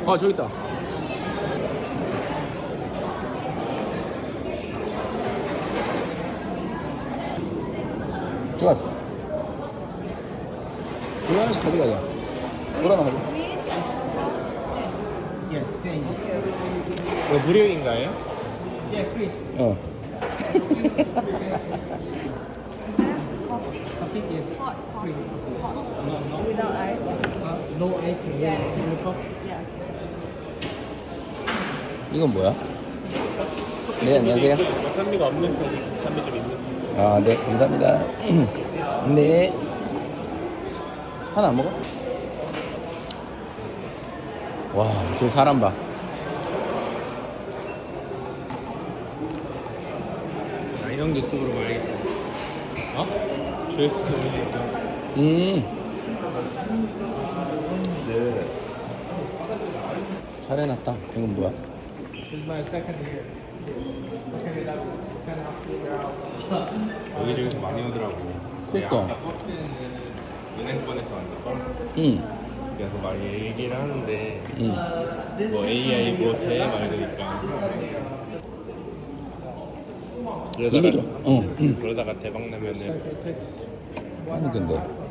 아 저기 있다. 좋았어. 이거 하나씩 가져가자. 뭐라나 가져. Yes, same. 이거 무료인가요? Yeah, free. 어. Coffee, yes. Free. Without ice. No ice. Yeah. No coffee. Yeah. 이건 뭐야? 네 안녕하세요. 산미가 없는 편이 산미 좀 있는 편. 아 네 감사합니다. 네. 하나 안 먹어? 와, 저 사람 봐. 아, 이런 유튜브로 봐야겠다. 어? 조회수 올리니까. 네. 잘 해놨다. 이건 뭐야? This is my second year. Second year. Kind of figure out. 여기저기서 많이 오더라고. 그러니까. 아까 버스는 은행권에서 왔나? 응. 그래서 막 얘기를 하는데 뭐 AI 뭐 돼? 막 이러니까 이리로. 어. 그러다가 대박 나면은 아니 근데